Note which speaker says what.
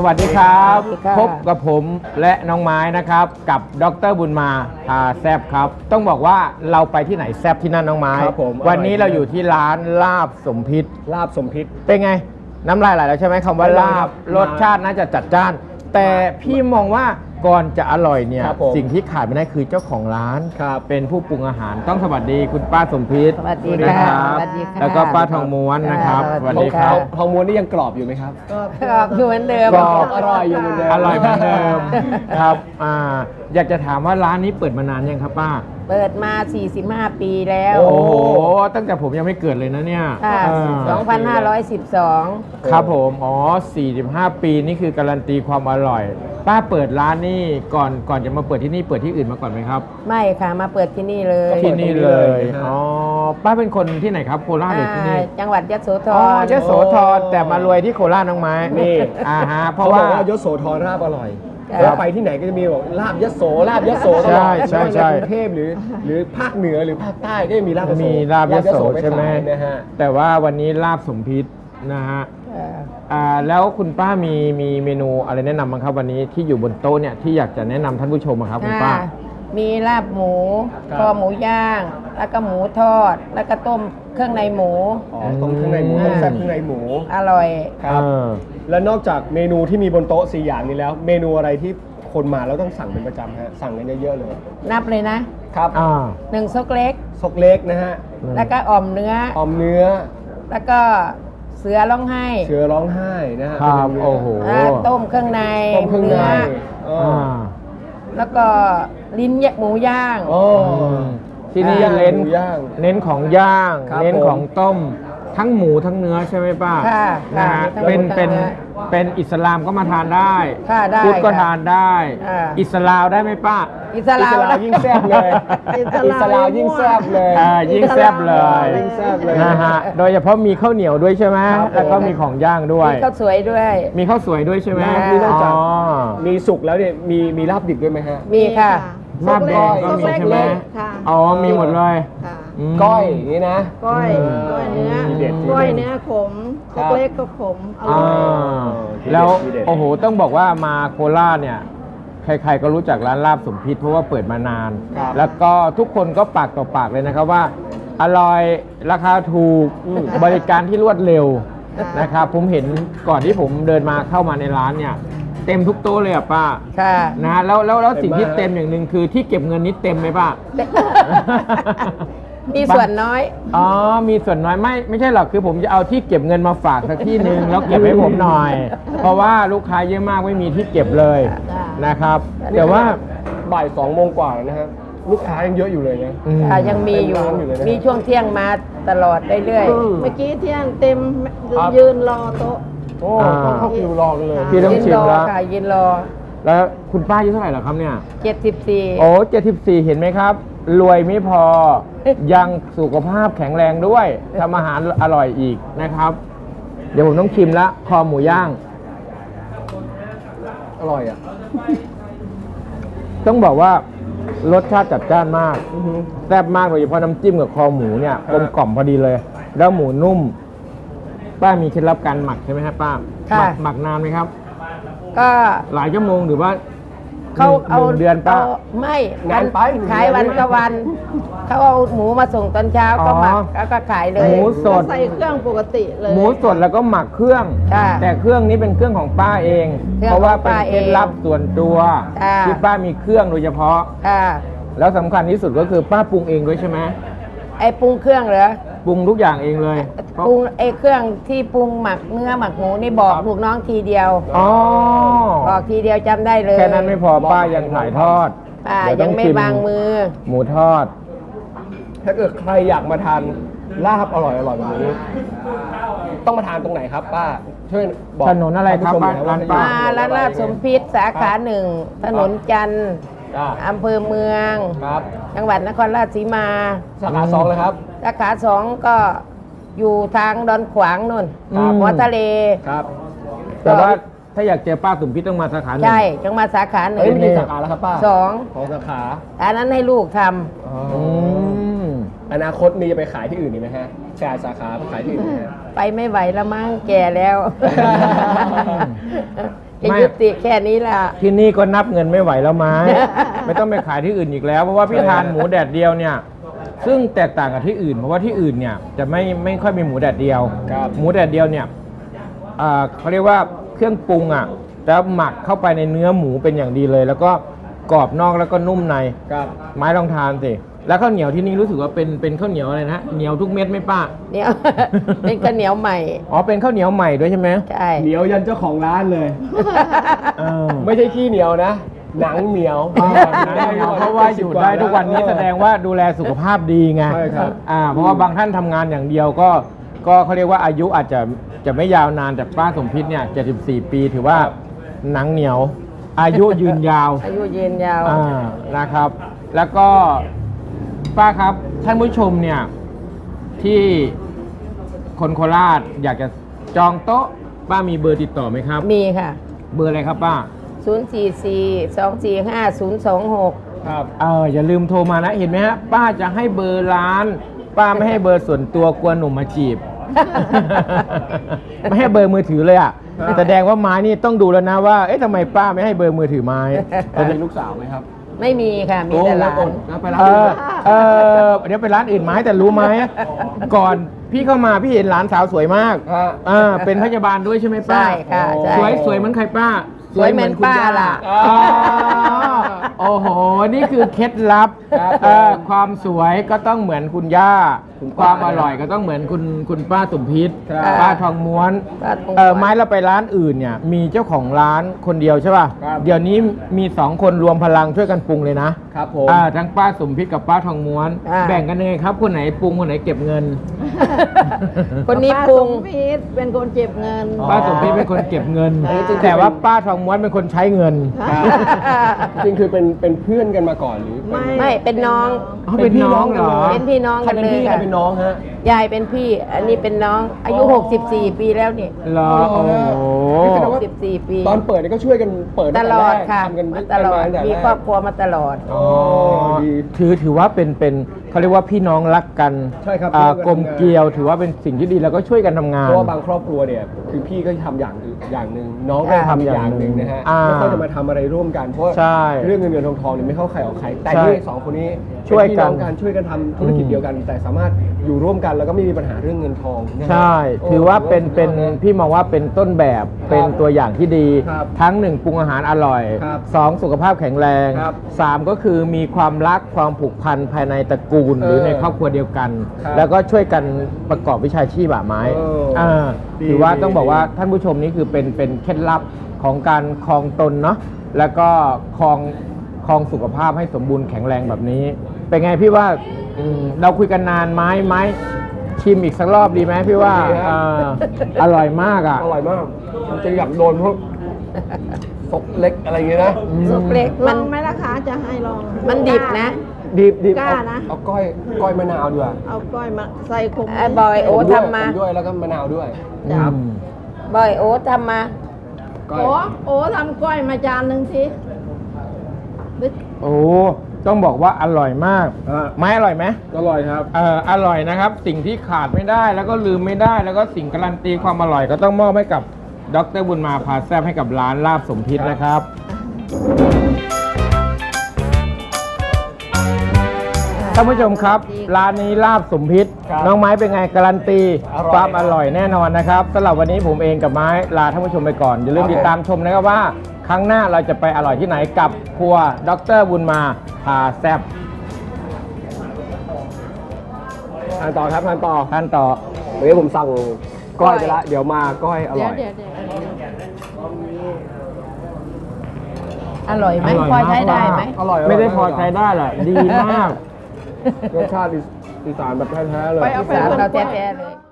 Speaker 1: วัสดีครับ
Speaker 2: สวัสดีค่ะ
Speaker 1: พบกับผมและน้องไม้นะครับกับดร.บุญมาพาแซบครับ ต้องบอกว่าเราไปที่ไหนแซบที่นั่นน้องไม้
Speaker 3: ครับผม
Speaker 1: วันนี้เราอยู่ที่ร้านลาบสมพิษ
Speaker 3: ลาบสมพิษ
Speaker 1: เป็นไง น้ำลายไหลแล้วใช่ไหมคำว่า
Speaker 3: แน่นอน
Speaker 1: ลา
Speaker 3: ครับ บ
Speaker 1: รสชาติน่าจะจัดจ้าน แต่พี่มองว่าก่อนจะอร่อยเนี่ย
Speaker 3: ครับผม
Speaker 1: สิ่งที่ขาดไม่ได้คือเจ้าของร้าน
Speaker 3: ครับ
Speaker 1: เป็นผู้ปรุงอาหารต้องสวัสดีคุณป้าสมพิษ
Speaker 2: สวัสดี
Speaker 1: นะ
Speaker 2: ค่ะ
Speaker 1: ครับ
Speaker 2: สวัสดีค่ะ
Speaker 1: แล้วก็ป้าทองม้วนนะครับ
Speaker 2: ส
Speaker 1: ส
Speaker 2: วั
Speaker 1: วั
Speaker 2: ส
Speaker 1: ส
Speaker 2: ดี
Speaker 1: ดีค
Speaker 2: ค่ะ
Speaker 1: รับ
Speaker 3: ทองม้วนนี่ยังกรอบอยู่ไหมครับ
Speaker 2: กรอบอยู่เหมือนเดิม
Speaker 1: กรอบ
Speaker 3: อร่อยอยู่เหมือนเดิม
Speaker 1: อร่อยเหมือนเดิมครับอยากจะถามว่าร้านนี้เปิดมานานยังครับป้า
Speaker 2: เปิดมา 45 ปีแล้ว
Speaker 1: โอ้โห ตั้งแต่ผมยังไม่เกิดเลยนะเนี่ย
Speaker 2: ค่ะ
Speaker 1: เออ
Speaker 2: 2512
Speaker 1: ครับผม อ๋อ 45 ปีนี่คือการันตีความอร่อย ป้าเปิดร้านนี่ก่อนจะมาเปิดที่นี่เปิดที่อื่นมาก่อนไหมครับ
Speaker 2: ไม่ค่ะ มาเปิดที่นี่เลย
Speaker 1: ที่นี่เลย
Speaker 3: นะฮะ
Speaker 1: อ๋อ ป้าเป็นคนที่ไหนครับ โคราชหรือที่นี่
Speaker 2: จังหวัดยโสธ
Speaker 1: อ๋อ
Speaker 2: ร
Speaker 1: ยโสธรแต่มารวยที่โคราชน้องไม้
Speaker 3: นี่
Speaker 1: ฮะ เพ
Speaker 3: เขา
Speaker 1: ราะ
Speaker 3: บ
Speaker 1: ว่า
Speaker 3: อกว่ายโสธรลาบอร่อย
Speaker 2: ครับ
Speaker 3: แล้วไปที่ไหนก็จะมีบอกลาบยโสลาบยโสตลอด
Speaker 1: ใช่
Speaker 3: ไม่ว่า
Speaker 1: ใช่
Speaker 3: ในกรุงเทพหรือภาคเหนือหรือภาคใต้ก็จะมีลาบยโส
Speaker 1: มีลาบยโส
Speaker 3: ป
Speaker 1: ใช่ไหม
Speaker 3: ขายนะฮะ
Speaker 1: แต่ว่าวันนี้ลาบสมพิษนะฮะ
Speaker 2: เออ
Speaker 1: แล้วคุณป้ามีเมนูอะไรแนะนำบ้างครับวันนี้ที่อยู่บนโต๊ะเนี่ยที่อยากจะแนะนำท่านผู้ชมอะครับคุณป้า
Speaker 2: ค่ะมีลาบหมู
Speaker 3: ครับ
Speaker 2: คอหมูย่าง แล้วก็หมูทอด แล้วก็ต้มเครื่องในหมู
Speaker 3: อ๋อต้มเครื่องในหมูต้มแซ่บเครื่องในหมู
Speaker 2: อร่อย
Speaker 3: ครับ
Speaker 1: เออ
Speaker 3: แล้วนอกจากเมนูที่มีบนโต๊ะ4อย่างนี้แล้ว เมนูอะไรที่คนมาแล้วต้องสั่งเป็นประจำฮะสั่งกันเยอะๆเลย
Speaker 2: นับเลยนะ
Speaker 3: ครับ
Speaker 2: 1 ซกเล็ก
Speaker 3: ซกเล็กนะฮะ
Speaker 2: แล้วก็อ่อมเนื้อ
Speaker 3: ออมเนื้อ
Speaker 2: แล้วก็เสือร้องไห้
Speaker 3: เสือร้องไห้นะฮะ
Speaker 1: ครับ
Speaker 3: เป็นเนื้
Speaker 1: โอ้โห
Speaker 2: ต้มเครื่องใน
Speaker 3: ต้มเครื่องใน
Speaker 2: เนื้อ
Speaker 3: อ๋อ
Speaker 1: อ่า
Speaker 2: แล้วก็ลิ้นหมูย่าง
Speaker 3: อ๋อ
Speaker 1: ที่นี่
Speaker 3: ย่าง
Speaker 1: เน้น
Speaker 3: หมูย่าง
Speaker 1: เน้นของย่าง
Speaker 3: ครับ
Speaker 1: เน้น
Speaker 3: ผม
Speaker 1: ของต้มทั้งหมูทั้งเนื้อใช่ไหมป้า
Speaker 2: ค่ะ
Speaker 1: นะฮะ
Speaker 2: ค่ะมีทั้งหมูทั้งเนื้อ
Speaker 1: เป็นอิสลามก็มาทานได้
Speaker 2: ค่ะได้
Speaker 1: พุทธก็
Speaker 2: ค่ะ
Speaker 1: ทานได้
Speaker 2: อ่า
Speaker 1: อิสลามได้ไหมป้า
Speaker 2: อิสลาม
Speaker 3: ยิ่งแซ่บเลย
Speaker 2: อิสลาม
Speaker 3: อิสลามยิ่งแซ่บเลย
Speaker 1: ยิ่งแซ่บเลย
Speaker 3: ยิ่งแซ่บเลย
Speaker 1: นะฮะโดยเฉพาะมีข้าวเหนียวด้วยใช่ไหม
Speaker 3: ครับผม
Speaker 1: แล้วก็มีของย่างด้วย
Speaker 2: มีข้าวสวยด้วย
Speaker 1: มีข้าวสวยด้วยใช่ไหม
Speaker 3: นี่นอกจาก
Speaker 1: อ๋อ
Speaker 3: มีสุกแล้วเนี่ยมีลาบดิบด้วยไหมฮะ
Speaker 2: มีค่ะ
Speaker 1: ลาบแดงก็มีใช่ไหม
Speaker 4: ค่ะ
Speaker 1: อ๋อมีหมดเลย
Speaker 4: ค่ะ
Speaker 1: ม
Speaker 3: ก้อยอย่างนี้นะ
Speaker 4: ก้อย
Speaker 1: อืม
Speaker 4: ก้อยเนื้อ
Speaker 3: ทีเด็ดทีเด็ด
Speaker 4: ก้อยเนื้อขม
Speaker 3: ครับ
Speaker 4: เล็กก็ขมอ
Speaker 1: อ่า
Speaker 4: ร่อย
Speaker 1: แล้ว
Speaker 3: ทีเด็ด
Speaker 1: โอ้โหต้องบอกว่ามาโคราชเนี่ยใครๆก็รู้จักร้านลาบสมพิษเพราะว่าเปิดมานาน
Speaker 3: ครับ
Speaker 1: แล้วก็ทุกคนก็ปากต่อปากเลยนะครับว่า อร่อยราคาถูกบริการที่รวดเร็วนะครับผมเห็นก่อนที่ผมเดินมาเข้ามาในร้านเนี่ยเต็มทุกโต๊ะเลยอ่ะป้า
Speaker 2: ค่ะ
Speaker 1: นะฮะแล้วสิ่งที่
Speaker 3: เต็มมาก
Speaker 1: เต็มอย่างหนึ่งคือที่เก็บเงินนี้เต็มไหมป้า
Speaker 2: มีส่วนน้อย
Speaker 1: อ๋อ มีส่วนน้อยไม่ใช่หรอกคือผมจะเอาที่เก็บเงินมาฝากสักที่หนึ่งแล้วเก็บให้ผมหน่อย เพราะว่าลูกค้าเยอะมากไม่มีที่เก็บเลยนะครับ แต่ว่า
Speaker 3: บ่าย2 โมงกว่าแล้วนะครับลูกค้ายังเยอะอยู่เลยนะ
Speaker 1: อืม
Speaker 2: ค่ะยังมีอยู่
Speaker 3: เต็มร้านอยู่เลยนะ
Speaker 2: มีช่วงเที่ยงมาตลอดเรื่อย
Speaker 4: เมื่อกี้เที่ยงเต็ม
Speaker 3: ครับ
Speaker 4: ยืนรอโต๊ะ
Speaker 3: โอ้ต้องเข้าคิวรอกันเลย
Speaker 1: พี่
Speaker 2: ๆ
Speaker 1: ต้อง
Speaker 2: ยืน
Speaker 1: ชิม
Speaker 2: รอ
Speaker 1: แล้ว
Speaker 2: ค่ะยืนรอ
Speaker 1: แล้วคุณป้าอายุเท่าไหร่เหรอครับเนี่ย
Speaker 2: 74
Speaker 1: โอ้74 เห็นไหมครับ รวยไม่พอ ยังสุขภาพแข็งแรงด้วยทำอาหารอร่อยอีกนะครับ เดี๋ยวผมต้องชิมละคอหมูย่าง
Speaker 3: อร่อยอ่ะ
Speaker 1: ต้องบอกว่ารสชาติจัดจ้านมาก แซ่บมากโดยเฉพาะน้ำจิ้มกับคอหมูเนี่ยกลมกล่อมพอดีเลย แล้วหมูนุ่ม ป้ามีเคล็ดลับการหมักใช่ไหมครับป้า
Speaker 2: ค่ะ
Speaker 1: หมักนานไหมครับ
Speaker 2: ก็
Speaker 1: หลายชั่วโมงหรือว่า
Speaker 2: เขา
Speaker 1: หนึ่งเดือนป้า
Speaker 2: ไม่
Speaker 3: งานไป
Speaker 2: ขายวันก็วัน เขาเอาหมูมาส่งตอนเช้าก็หมัก
Speaker 1: อ๋อ
Speaker 2: แล้วก็ขายเล
Speaker 1: ห
Speaker 2: ย
Speaker 1: มูสด
Speaker 4: ใส่เครื่องปกติเลย
Speaker 1: หมูสดแล้วก็หมักเครื่อง
Speaker 2: ค่ะ
Speaker 1: แต่เครื่องนี้เป็นเครื่องของป้าเอง
Speaker 2: เครื่อง
Speaker 1: เพราะว่า
Speaker 2: ของ
Speaker 1: เป็น
Speaker 2: ป้า
Speaker 1: เคล็ดลับส่วนตัว
Speaker 2: ค่ะ
Speaker 1: ที่ป้ามีเครื่องโดยเฉพาะ
Speaker 2: ค่ะ
Speaker 1: แล้วสำคัญที่สุดก็คือป้าปรุงเองด้วยใช่ไหม
Speaker 2: ไอ้ปรุงเครื่องเหรอ
Speaker 1: ปรุงทุกอย่างเองเลยเพราะ
Speaker 2: ปรุงไอ้เครื่องที่ปรุงหมักเนื้อหมักหมูนี่บอกลูกน้องทีเดียว
Speaker 1: อ๋อ
Speaker 2: บอกทีเดียวจำได้เลย
Speaker 1: แค่นั้นไม่พอป้ายังถ่ายทอด
Speaker 2: ป้า
Speaker 1: เดี๋ว
Speaker 2: ยั
Speaker 1: ต้อง
Speaker 2: ไม่
Speaker 1: ชิ
Speaker 2: วางมือ
Speaker 1: หมูทอด
Speaker 3: ถ้าเกิดใครอยากมาทานลาบอร่อยแบบนี้ ต้องมาทานตรงไหนครับป้า ช่วยบอก
Speaker 1: ถนนอะไรครับ
Speaker 3: ท่ผู้ชมหน่อย
Speaker 1: ร้าน
Speaker 3: ว่
Speaker 1: ป้า
Speaker 2: มาร้านลาบสมพิษสาขาหนึ่งถนนจันทร์
Speaker 3: จ้า
Speaker 2: อำเภอเมือง
Speaker 3: ครับ
Speaker 2: จังหวัดนครราชสีมา
Speaker 3: สาขา2เลยครับ
Speaker 2: สาขาสองก็อยู่ทางดอนขวางนู่น
Speaker 1: ครับ
Speaker 2: หัวทะเล
Speaker 3: ครับ
Speaker 1: แต่ว่าถ้าอยากเจอป้าสุมพิษต้องมาสาขาหนึ่ง
Speaker 2: ใช่จังมาสาขาหนึ่
Speaker 3: เอ้ย
Speaker 2: ง
Speaker 3: มีกี่สาขาแล้วครับป้า
Speaker 2: สอง
Speaker 3: ของสาขา
Speaker 2: อันนั้นให้ลูกท
Speaker 1: อืม
Speaker 3: อนาคตมีจะไปขายที่อื่นอีกไหมฮะแชร์สาขาไปขายที่อื่นไหมฮะ
Speaker 2: ำไปไม่ไหวแล้วมั้งแก่แล้วจะยุติแค่นี้ล่ะ
Speaker 1: ที่นี่ก็นับเงินไม่ไหวแล้วไม้ ไม่ต้องไปขายที่อื่นอีกแล้ว เพราะว่าพี่ทานหมูแดดเดียวเนี่ย ซึ่งแตกต่างกับที่อื่น เพราะว่าที่อื่นเนี่ยจะไม่ค่อยมีหมูแดดเดียว
Speaker 3: ครับ
Speaker 1: หมูแดดเดียวเนี่ยเขาเรียกว่าเครื่องปรุงอ่ะแล้วหมักเข้าไปในเนื้อหมูเป็นอย่างดีเลย แล้วก็กรอบนอกแล้วก็นุ่มใน
Speaker 3: ครับ
Speaker 1: ไม้ลองทานสิแล้วข้าวเหนียวที่นี่รู้สึกว่าเป็นข้าวเหนียวอะไรนะเหนียวทุกเม็ดไหมป้า
Speaker 2: เนี่ย เป็นข้าวเหนียวใหม่
Speaker 1: อ๋อเป็นข้าวเหนียวใหม่ด้วยใช่ไหม
Speaker 2: ใช่
Speaker 3: เหนียวยันเจ้าของร้านเลย
Speaker 1: เออ
Speaker 3: ไม่ใช่ขี้เหนียวนะ หนังเหนียว
Speaker 1: เพราะว่าอยู่ได้ทุกวันนี้แสดงว่าดูแลสุขภาพดีไง
Speaker 3: ใช่ครับ
Speaker 1: เพราะว่าบางท่านทำงานอย่างเดียวก็เขาเรียกว่าอายุอาจจะไม่ยาวนานแต่ป้าสมพิษเนี่ย74 ปีถือว่าหนังเหนียว อายุยืนยาว
Speaker 2: อายุยืนยาว
Speaker 1: นะครับ แล้วก็ป้าครับท่านผู้ชมเนี่ยที่คนโคราชอยากจะจองโต๊ะป้ามีเบอร์ติดต่อไหมครับ
Speaker 2: มีค่ะ
Speaker 1: เบอร์อะไรครับป้า
Speaker 2: 044-245-026
Speaker 3: ครับ
Speaker 1: อย่าลืมโทรมานะเห็นไหมฮะป้าจะให้เบอร์ร้าน ป้าไม่ให้เบอร์ส่วนตัวกลัวหนุ่มมาจีบ ไม่ให้เบอร์มือถือเลยอ่ะ
Speaker 3: ครับ
Speaker 1: แสดงว่าไม้นี่ต้องดูแล้วนะว่าเอ๊ะทำไมป้าไม่ให้เบอร์มือถือไม้
Speaker 3: มีลูกสาวไหมครับ
Speaker 2: ไม่มีค่ะ มีแต่หลาน
Speaker 3: แล้วไปร้าน
Speaker 1: เอ
Speaker 3: อื่น
Speaker 1: เดี๋ยวไปร้านอื่นไม้แต่รู้ไหมก่อนพี่เข้ามาพี่เห็นหลานสาวสวยมาก
Speaker 3: ฮะ
Speaker 1: เป็นพยาบาลด้วยใช่ไหมป้า
Speaker 2: ใช่ค่ะใช่
Speaker 1: สวยเหมือนใครป้า
Speaker 2: สวยเหมือนป้าล่ะ
Speaker 1: อ๋อโอ้โห นี่คือเคล็ดลับ
Speaker 3: ครับ
Speaker 1: ความสวยก็ต้องเหมือนคุณย่า
Speaker 3: คุณ
Speaker 1: ค
Speaker 3: ป้า
Speaker 1: วามอร่อยก็ต้องเหมือนคุณป้าสมพิษ
Speaker 3: ครับ
Speaker 1: ป้าทองม้วน
Speaker 2: ป้าทองม้วน
Speaker 1: ไม้เราไปร้านอื่นเนี่ยมีเจ้าของร้านคนเดียวใช่ป่ะ
Speaker 3: ครับ
Speaker 1: เดี๋ยวนี้มี2คนรวมพลังช่วยกันปรุงเลยนะ
Speaker 3: ครับผม
Speaker 1: ทั้งป้าสมพิษกับป้าทองม้วน
Speaker 2: อ่า
Speaker 1: แบ่งกันยังไงครับ คนไหนปรุงคนไหนเก็บเงิน
Speaker 2: คนนี้ปรุง
Speaker 4: ป้าสมพิษเป็นคนเก็บเงิน
Speaker 3: อ๋อ
Speaker 1: ป้าสมพิษเป็นคนเก็บเงิน
Speaker 4: อันนี้จริงๆ
Speaker 1: แต่ว่าป้าทองม้วนเป็นคนใช้เงิน
Speaker 3: ครับจริงๆคือเป็นเพื่อนกันมาก่อนหรือเป็น
Speaker 2: ไม่เป็นน้อง
Speaker 1: อ๋อเป็นน้องเหรอ
Speaker 2: เป็นพี่น้อง
Speaker 3: ใคร
Speaker 2: กัน
Speaker 3: เป็น
Speaker 2: เลย
Speaker 3: พี่ใคร
Speaker 2: ค่ะ
Speaker 3: เป็นน้องฮะ
Speaker 2: ยายเป็นพี่ อันนี้เป็นน้อง อายุ 64 ปีแล้วนี่
Speaker 1: เหรอโอ้โห
Speaker 3: นี่แสดงว่า
Speaker 2: 64 ปี
Speaker 3: ตอนเปิดนี่ก็ช่วยกันเปิด
Speaker 2: ต
Speaker 3: ตั้ง
Speaker 2: ล
Speaker 3: แร
Speaker 2: อด
Speaker 3: ก
Speaker 2: ค่ะ
Speaker 3: ทำกัน
Speaker 2: มาตลอด
Speaker 3: ตั้งแต่
Speaker 2: มี
Speaker 3: แรก
Speaker 2: ครอบครัวมาตลอด
Speaker 3: อ๋อดี
Speaker 1: ถือว่าเป็นเขาเรียกว่าพี่น้องรักกัน
Speaker 3: ใช่ครับ
Speaker 1: กลมเกลียวถือว่าเป็นสิ่งที่ดีแล้วก็ช่วยกันทำงาน
Speaker 3: เพราะว่าบางครอบครัวเนี่ยคือพี่ก็ทำอย่างหนึ่งน้องก็ทำอีกอย่างหนึ่งนะฮะ
Speaker 1: อ่า
Speaker 3: ไม่ค่อยจะมาทำอะไรร่วมกันเพราะว่า
Speaker 1: ใช่
Speaker 3: เรื่องเงินเงินทองทองเนี่ยไม่เข้าใครออกใครแต่
Speaker 1: ใช่
Speaker 3: นี่สองคนนี้
Speaker 1: ช่วยกัน
Speaker 3: เป็พี่น้องช่วยกันทำธุรกิจเดียวกัน แต่สามารถอยู่ร่วมกันแล้วก็ไม่มีปัญหาเรื่องเงินทองนะฮะ
Speaker 1: ใช่
Speaker 3: โ
Speaker 1: ถือว่าเป็น
Speaker 3: สุดยอดะ
Speaker 1: พี่มองว่าเป็นต้นแบบเป็นตัวอย่างที่ดี
Speaker 3: ครับ
Speaker 1: ทั้งหนึ่งปรุงอาหารอร่อย
Speaker 3: ครับ
Speaker 1: 2สุขภาพแข็งแรง
Speaker 3: ครับ
Speaker 1: 3ก็คือมีความรักความผูกพันภายในตระกูลหรือในครอบครัวเดียวกัน
Speaker 3: ครับ
Speaker 1: แล้วก็ช่วยกันประกอบวิชาชีพไม้
Speaker 3: ดี
Speaker 1: ถือว่า
Speaker 3: ดี
Speaker 1: ต้องบอกว่า
Speaker 3: ดี
Speaker 1: ท่านผู้ชมนี่คือเป็นเคล็ดลับของการครองตนเนาะแล้วก็ครองสุขภาพให้สมบูรณ์แข็งแรงแบบนี้ เป็นไงพี่ว่าเราคุยกันนานไหมชิมอีกสักรอบดีไหมพี่ว่า
Speaker 3: ดีครับ
Speaker 1: อร่อยมากอ่ะ
Speaker 3: อร่อยมากมันจะอยากโดนพวกซกเล็กอะไรอย่างเงี้ยนะ
Speaker 2: สุกเล็ก
Speaker 4: ล
Speaker 2: มั
Speaker 4: อน งไหมล่ะคะจะให้ลอง
Speaker 2: มันดิบนะ
Speaker 3: ดิบ
Speaker 4: กล้านะ
Speaker 3: เอาก้อยมะนาวด้วย
Speaker 4: เอาก้อยมาใส่ขม
Speaker 2: ไอ้บอยโอ้
Speaker 3: ผมด้วย
Speaker 2: ทำมา
Speaker 3: ผมด้วยแล้วก็มะนาวด้วย
Speaker 1: ครับ
Speaker 2: บอยโอ๊ตทำมา
Speaker 3: ก้อย
Speaker 4: โอ้ทำก้อยมาจานหนึ่งสิ
Speaker 1: โอ้ต้องบอกว่าอร่อยมาก
Speaker 3: อ่ะ
Speaker 1: ไม้อร่อยไหม
Speaker 3: อร่อยครับ
Speaker 1: อร่อยนะครับ สิ่งที่ขาดไม่ได้แล้วก็ลืมไม่ได้ แล้วก็สิ่งการันตีความอร่อยก็ต้องมอบให้กับดร.บุญมาพาแซบให้กับร้านลาบสมพิษนะครับ ท่านผู้ชมครับ ร้านนี้ลาบสมพิษ
Speaker 3: ครับ
Speaker 1: น้องไม้เป็นไงการันตี
Speaker 3: อร่อย
Speaker 1: ความอร่อยแน่นอนนะครับสำหรับวันนี้ผมเองกับไม้ลาท่านผู้ชมไปก่อนอย่าลืม
Speaker 3: ครับ
Speaker 1: ติดตามชมนะครับว่า ครั้งหน้าเราจะไปอร่อยที่ไหนกับครัวดร.บุญมาพาแซบ
Speaker 3: ทานต่อครับทานต่อ
Speaker 1: ท่านต่อ
Speaker 3: เดี๋ยวผมสั่งก้อยไปละเดี๋ยวมาก้อยอ
Speaker 4: เดี๋
Speaker 3: ร่
Speaker 4: ย
Speaker 3: อ
Speaker 4: วย เดี๋ยวเดี๋ยว
Speaker 2: อร่อยไหม
Speaker 1: อร่อย
Speaker 2: พอ
Speaker 1: มาก
Speaker 2: ใช้ได้ไหม
Speaker 3: อร่อย
Speaker 1: ไม่ได้พอใช้ได้แหละดีมาก
Speaker 3: รสชาติอีสานแบบแท้ๆเลย
Speaker 4: ไปเอาไป
Speaker 2: สารเราแท้ๆเลย